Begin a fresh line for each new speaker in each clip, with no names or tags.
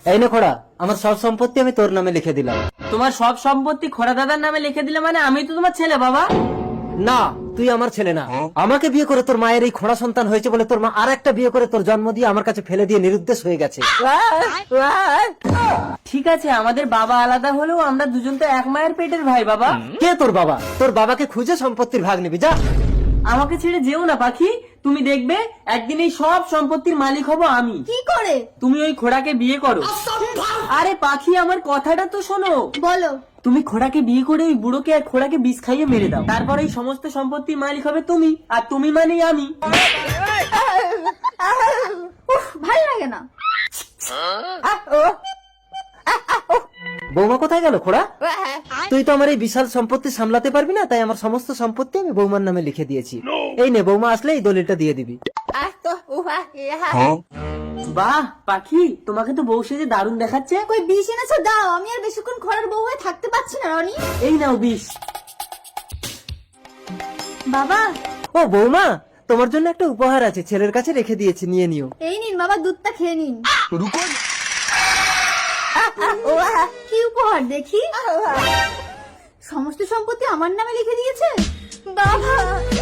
এই নে খোড়া, আমার সব সম্পত্তি আমি তোর নামে লিখে দিলাম।
তোমার সব সম্পত্তি খোড়া দাদার নামে লিখে দিলে মানে আমি তো তোমার ছেলে বাবা।
না, তুই আমার ছেলে না। আমাকে বিয়ে করে তোর মায়ের এই খোড়া সন্তান হয়েছে বলে তোর মা আর একটা বিয়ে করে তোর জন্ম দিয়ে আমার কাছে ফেলে দিয়ে নিরুদ্দেশ হয়ে গেছে।
ঠিক আছে, আমাদের বাবা আলাদা হলেও আমরা দুজন তো এক মায়ের পেটের ভাই বাবা।
কে তোর বাবা? তোর বাবাকে খুঁজে সম্পত্তির ভাগ নিবি, যা।
আমাকে ছেড়ে যেও না পাখি, তুমি দেখবে একদিন এই সব সম্পত্তির মালিক হব আমি।
কি করে?
তুমি ওই খোড়াকে বিয়ে করো। আরে পাখি, আমার কথাটা তো শোনো।
বলো।
তুমি খোড়াকে বিয়ে করে ওই বুড়োকে আর খোড়াকে বিষ খাইয়ে মেরে দাও, তারপর এই সমস্ত সম্পত্তির মালিক হবে তুমি, আর তুমি মানেই আমি।
ভালো লাগে না।
বৌমা কোথায় গেল খোড়া? তুই তো আমার এই বিশাল সম্পত্তি সামলাতে পারবি না, তাই আমার সমস্ত সম্পত্তি আমি বৌমার নামে লিখে দিয়েছি। এই নে, বৌমা আসলে এই দলিলটা দিয়ে দিবি।
বাহ পাখি, তোমাকে তো বউ সেজে দারুণ দেখাচ্ছে।
কই বিষ এনেছো? দাও, আমি আর বেশিক্ষণ খরার বউ হয়ে থাকতে পারছি না রনি।
এই নাও বিষ।
বাবা,
ও বৌমা, তোমার জন্য একটা উপহার আছে, ছেলের কাছে রেখে দিয়েছি, নিয়ে নিও।
এই নিন বাবা, দুধটা খেয়ে নিন। কি উপহার দেখি? সমস্ত সম্পত্তি আমার নামে লিখে দিয়েছে বাবা।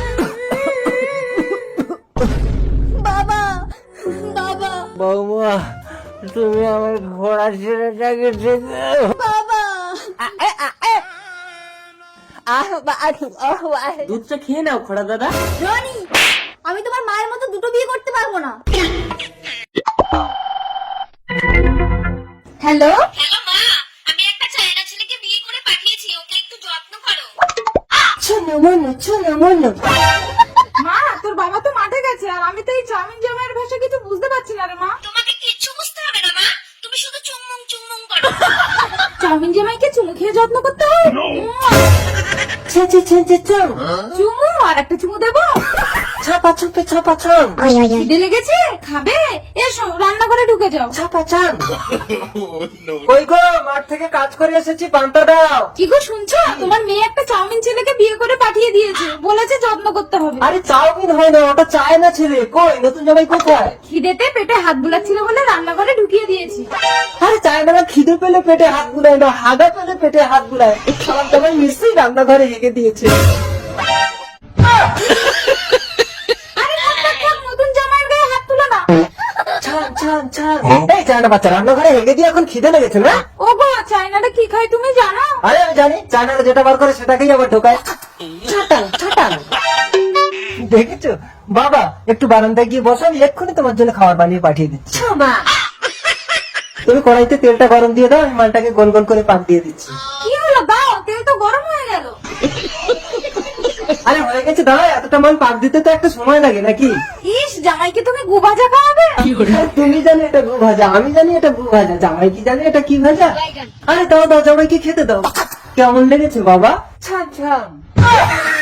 বাবা, বাবা,
বৌমা, তুমি আমার ঘোড়া ছেলেটাকে
বাবা।
দুধটা খেয়ে নাও খোড়া দাদা।
রনি, আমি তোমার মায়ের মতো দুটো বিয়ে করতে পারবো না। হ্যালো,
হ্যালো মা, আমি একটা চায়না ছেলেকে বিয়ে করে পাঠিয়েছি, ওকে একটু যত্ন করো।
মা, তোর বাবা তো মাঠে গেছে আর আমি তো এই চাউমিন জামাইয়ের ভাষা কিছু বুঝতে পারছি না রে মা।
তোমাকে কিচ্ছু বুঝতে হবে না মা, তুমি শুধু চুমুং চুমুং করো।
চাউমিন জামাইকে চুমু খেয়ে যত্ন করতে হয়? চুমু আর একটা চুমু দেবো?
ছাপা ছুপে ছাপা ছন,
খিদে লেগেছে, খাবে? এসো রান্নাঘরে ঢুকে যাও।
ছাপা চান। কই গো, মাঠ থেকে কাজ করে এসেছি, পান্তা দাও।
কি গো শুনছো? তোমার মেয়ে একটা চাউমিন ছেলেকে বিয়ে করে পাঠিয়ে দিয়েছে, বলেছে যত্ন করতে হবে।
আরে চাউমিন হয় না, ওটা চায় না ছেলে। কই নতুন জামাই কোথায়?
খিদেতে পেটে হাত বুলাচ্ছিল বলে রান্নাঘরে ঢুকিয়ে দিয়েছি।
আরে চায় না, খিদে পেলে পেটে হাত বুলায় না, হাগা পেলে পেটে হাত বুলায়। সব জামাই নিশ্চয়ই রান্নাঘরে হেগে দিয়েছে।
আরে থাক, থাক, থাক, নতুন জামাইয়ের গায়ে হাত তুলো না।
ছান ছান ছান। এই চায়না বাচ্চা রান্নাঘরে হেগে দিয়ে এখন খিদে লেগেছে না?
ও গো, চায়নাটা কি খায় তুমি জানো?
আরে আমি জানি, চায়নারা যেটা বার করে সেটাকেই আবার ঢোকায়। ছাটাং ছাটাং। দেখেছো বাবা, একটু বারান্দায় গিয়ে বসো, আমি এক্ষুনি তোমার জন্য খাবার বানিয়ে পাঠিয়ে দিচ্ছি। তুমি কড়াইতে তেলটা গরম দিয়ে দাও, আমি মালটাকে গোল গোল করে পাক দিয়ে দিচ্ছি।
কি হলো, দাও, তেল তো গরম হয়ে গেল।
আরে হয়ে গেছে, দাঁড়া, এতটা মাল পাক দিতে তো একটা সময় লাগে নাকি?
ইস, জামাইকে তুমি গু ভাজা খাওয়াবে?
আর তুমি জানো এটা গু ভাজা, আমি জানি এটা গু ভাজা, জামাই কি জানে এটা কি ভাজা? আরে দাও দাও, জামাইকে খেতে দাও। কেমন লেগেছে বাবা? ছান ছান।